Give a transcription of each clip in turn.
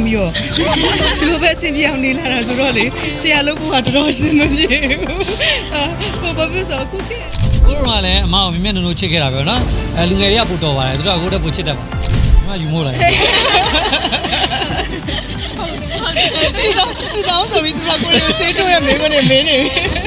ပြီးတော့ဒီလိုပဲအဆင်ပြေအောင်နေလာတာဆိုတော့လေဆရာလုပ်ဖို့ကတော်တော်အဆင်မပြေဘူးဘာဖြစ်ဆိုအခုခေတ်ကိုရောကလည်းအမအောင်မြင်မြတ်နုံနုံချစ်ခဲ့တာပဲနော်လူငယ်တွေကပို့တော်ပါတယ်သူတို့ကကိုတက်ပို့ချစ်တတ်ပါအမယူမို့လိုက်စီတောင်းဆိုပြီးသူကကိုယ်ဆေးတိုးရမင်းမနေမင်းနေ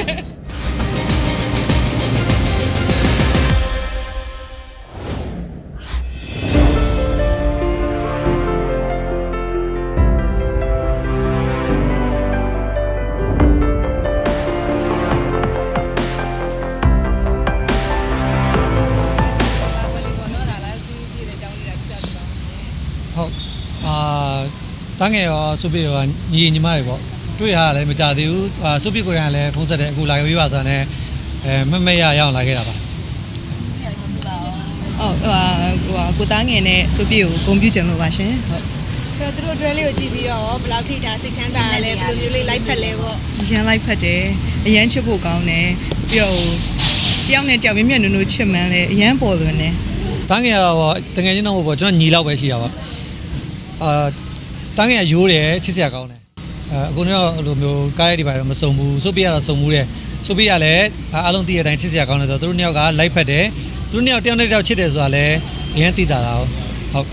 တန်းငယ်ရောစုပ်ပြရောညီညီမတွေပေါ့တွေ့ရတာလည်းမကြသေးဘူးစုပ်ပြကိုရံလည်းဖုန်းဆက်တယ်အခုလာခဲ့ပါဆိုတော့မမရအောင်လာခဲ့တာပါကိုသားငယ်နဲ့စုပ်ပြကိုဂုဏ်ပြုချင်လို့ပါရှင်ဟုတ်သူတို့ drill လေးကိုကြည့်ပြီးတော့ဘယ်လောက်ထိဒါစိတ်ချမ်းသာလဲဘယ်လိုမျိုးလေးလိုက်ဖက်လဲပေါ့ရန်လိုက်ဖက်တယ်အရန်ချစ်ဖို့ကောင်းတယ်ပြီးတော့တယောက်နဲ့တယောက်မြင်မြတ်နုံနုံချစ်မှန်းလဲအရန်ပေါ်လွင်တယ်တန်းငယ်ကတော့တကယ်ချင်းတော့ပေါ့ကျွန်တော်ညီလောက်ပဲရှိတာပါတန်းငယ်ရိုးတယ်ချစ်စရာကောင်းတယ်အခုတော့လိုမျိုးကားရိုက်တွေပါမစုံဘူးစုပ်ပြရတော့စုံမှုတယ်စုပ်ပြရလည်းအားလုံးသိတဲ့အတိုင်းချစ်စရာကောင်းတယ်ဆိုတော့သူတို့နှစ်ယောက်ကလိုက်ဖက်တယ်သူတို့နှစ်ယောက်တယောက်နဲ့တယောက်ချစ်တယ်ဆိုတာလည်းအရင်သိတာလားဟုတ်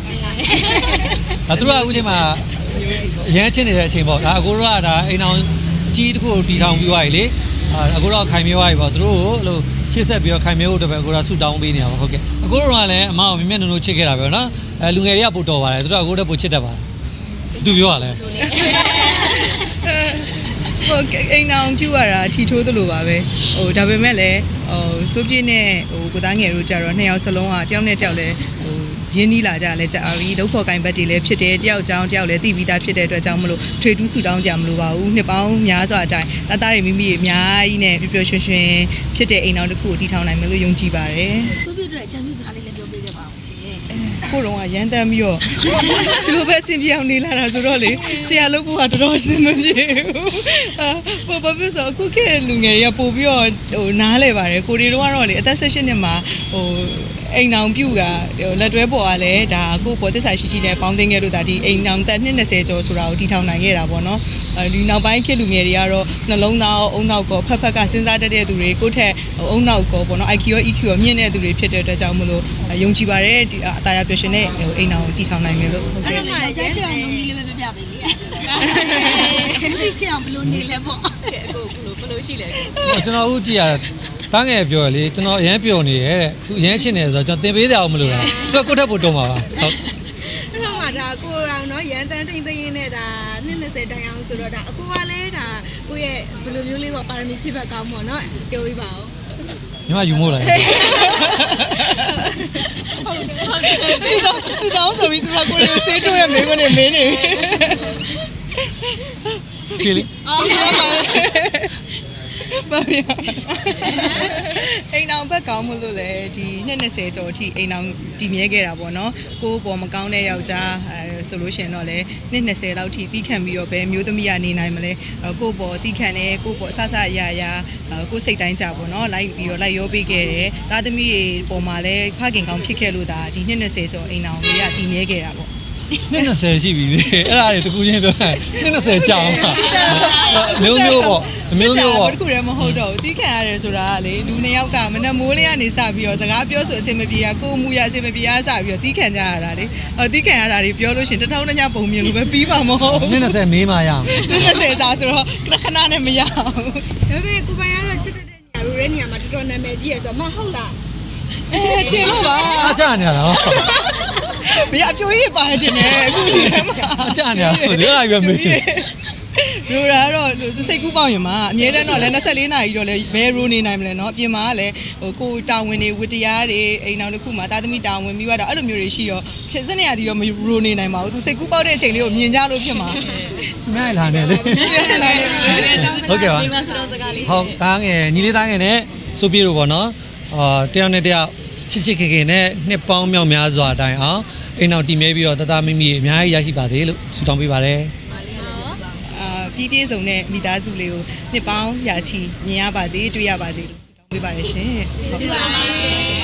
သူတို့ကအခုချိန်မှာအရင်ချစ်နေတဲ့အချိန်ပေါ့ဒါအခုတော့ဒါအိမ်အောင်အကြီးတစ်ခုတီထောင်ပြီးသွားပြီလေအခုတော့ခိုင်မြဲသွားပြီပေါ့သူတို့ကိုလို့ရှေ့ဆက်ပြီးတော့ခိုင်မြဲဖို့တပည့်အခုတော့ဆူတောင်းပေးနေတာပါဟုတ်ကဲ့အခုတော့လည်းအမအောင်မြင်မြတ်နုံနုံချစ်ခဲ့တာပဲနော်လူငယ်တွေကပို့တော်ပါတယ်သူတို့ကအခုတော့ပို့ချစ်တတ်ပါတယ်သူပြောရလဲအိမ်အောင်ကျူရတာထီထိုးသလိုပါပဲဒါပေမဲ့လည်းစိုးပြည့်နဲ့ကိုသားငယ်တို့ကြတော့နှစ်ယောက်စလုံးကတယောက်နဲ့တယောက်လည်းရင်းနှီးလာကြလဲကြာပြီဒုက္ခကိုင်ဘက်တွေလည်းဖြစ်တယ်တယောက်ကြောင်းတယောက်လည်းသိပြီးသားဖြစ်တဲ့အတွက်ကြောင့်မလို့ထွေတူးဆူတောင်းကြမလို့ပါဘူးနှစ်ပေါင်းများစွာအတိုင်းသားတွေမိမိတွေအများကြီးနဲ့ပျော်ပျော်ရွှင်ရွှင်ဖြစ်တဲ့အိမ်အောင်တစ်ခုကိုတည်ထောင်နိုင်မယ်လို့ယုံကြည်ပါတယ်စိုးပြည့်အတွက်အချမ်းမြစကားလေးလည်းပြောပေးခဲ့ပါအောင်ရှင်ကိုတော့ရန်တမ်းပြီးတော့ဒီလိုပဲအဆင်ပြေအောင်နေလာတာဆိုတော့လေဆရာလုပ်ဖို့ကတော်တော်အဆင်မပြေဘူးဘာဖြစ်ဆိုအခုခေတ်လူငယ်တွေကပို့ပြီးတော့နားလဲပါတယ်ကိုတွေတော့ကတော့လေအသက်16နှစ်မှာအိမ်အောင်ပြုတ်ကလက်တွဲပေါ်ကလည်းဒါကိုပေါ်သစ္စာရှိရှိနဲ့ပေါင်းသိခဲ့လို့ဒါဒီအိမ်အောင်တက်20ကျော်ဆိုတာကိုတီထောင်နိုင်ခဲ့တာပေါ့နော်ဒီနောက်ပိုင်းခေတ်လူငယ်တွေကတော့နှလုံးသားအုံနောက်ကောဖက်ကစဉ်းစားတတ်တဲ့သူတွေကိုယ့်ထက်အုံနောက်ကောပေါ့နော် IQ ရော EQ ရောမြင့်တဲ့သူတွေဖြစ်တဲ့အတွက်ကြောင့်မလို့ယုံကြည်ပါတယ်ဒီအသားရပျော်ရှင်တဲ့အိမ်အောင်တီထောင်နိုင်မယ်လို့ဟုတ်ကဲ့။ကြားချင်အောင်လုပ်ပြီးလေးပဲပြပေးလေ။ဒီချင်အောင်ဘလို့နေလဲပေါ့။အခုဘလို့ရှိလဲ။ကျွန်တော်ဦးကြည့်ရတန်းငယ်ပြောလေကျွန်တော်အရန်ပျော်နေရဲ့သူအရန်ချစ်နေဆိုတော့ကျွန်တော်သင်ပေးစရာအောင်မလိုတာသူကကိုယ့်ထက်ပိုတုံးပါပါဟုတ်အဲ့တော့မှဒါကိုရောင်နော်ရန်တန်းတိမ်သိင်းနဲ့ဒါ20တိုင်အောင်ဆိုတော့ဒါအကူကလည်းဒါကိုယ့်ရဲ့ဘယ်လိုမျိုးလေးပေါ့ပါရမီဖြစ်ဘက်ကောင်းပေါ့နော်ပြောပြပါဦးညီမယူမို့လိုက်စီတောင်းဆိုပြီးသူကကိုယ်ဆေးတိုးရမင်းမနေမင်းနေကြည့်လေဘာလဲအိမ်အောင်ဘက်ကောင်းမှုလို့လေဒီ20ကျော်အထိအိမ်အောင်တည်မြဲခဲ့တာပေါ့နော်ကိုပေါ်မကောင်းတဲ့ယောက်ျားဆိုလို့ရှင်တော့လေ20လောက်ထိတီးခံပြီးတော့ပဲမျိုးသမီးကနေနိုင်မလဲကိုပေါ်တီးခံတယ်ကိုပေါ်ဆဆရရကိုစိတ်တိုင်းကြပေါ့နော်လိုက်ပြီးတော့လိုက်ရောပေးခဲ့တယ်သားသမီးတွေပေါ်မှာလည်းဖခင်ကောင်းဖြစ်ခဲ့လို့ဒါဒီ20ကျော်အိမ်အောင်ကြီးကတည်မြဲခဲ့တာပေါ့ 20ရှိပြီလေအဲ့ဒါတွေတကူချင်းပြောတယ်20ကြာပါမျိုးမျိုးပေါ့မျိုးမျိုးပေါ့တခုတည်းမဟုတ်တော့ဘူးတီးခံရတယ်ဆိုတာကလေလူနှစ်ယောက်ကမနဲ့မိုးလေးကနေစပြီးတော့စကားပြောဆိုအဆင်မပြေတာကိုယ်မူရအဆင်မပြေတာစပြီးတော့တီးခံကြရတာလေတီးခံရတာတွေပြောလို့ရှင်တထောင်တညပုံမြင်လို့ပဲပြီးပါမဟုတ် 20မေးမှရအောင် 20စာဆိုတော့ခဏနဲ့မရအောင်ဒါပေမဲ့ကိုပိုင်ကတော့ချစ်တဲ့နေရာရိုးတဲ့နေရာမှာတော်တော်နာမည်ကြီးရဆိုမဟုတ်လားချင်လို့ပါအကြနေရတာမရအပြိုကြီးပါတယ်တင်တယ်အခုဒီထဲမှာအကြနေရဆိုဒီအရွယ်မေးရိုးတာတော့စိတ်ကူးပေါင်ရင်မှာအမြဲတမ်းတော့လဲ24နာရီတော့လဲဘယ်ရိုးနေနိုင်မလဲเนาะပြင်မှာကလည်းကိုတာဝန်တွေဝတ္တရားတွေအိမ်အောင်တစ်ခုမှာတာသမီတာဝန်ပြီးတော့အဲ့လိုမျိုးတွေရှိတော့စနေရသည်တော့မရိုးနေနိုင်ပါဘူးသူစိတ်ကူးပေါက်တဲ့အချိန်လေးကိုမြင်ကြလို့ဖြစ်မှာသူများလာနေလေဟုတ်ကဲ့ပါဟုတ်တားငယ်ညီလေးတားငယ်နဲ့စိုးပြေတို့ပေါ့နော်တယောက်နဲ့တယောက်ချစ်ချစ်ခင်ခင်နဲ့နှစ်ပေါင်းမြောက်များစွာအတိုင်းအောင်အိမ်အောင်တည်မြဲပြီးတော့တသားမိမိအများကြီးရရှိပါသေးလို့ဆုတောင်းပေးပါတယ်ပြည့်ပြည့်စုံတဲ့မိသားစုလေးကိုနှစ်ပေါင်းရာချီမြင်ရပါစေတွေ့ရပါစေလို့ဆုတောင်းပေးပါတယ်ရှင်ကျေးဇူးပါရှင်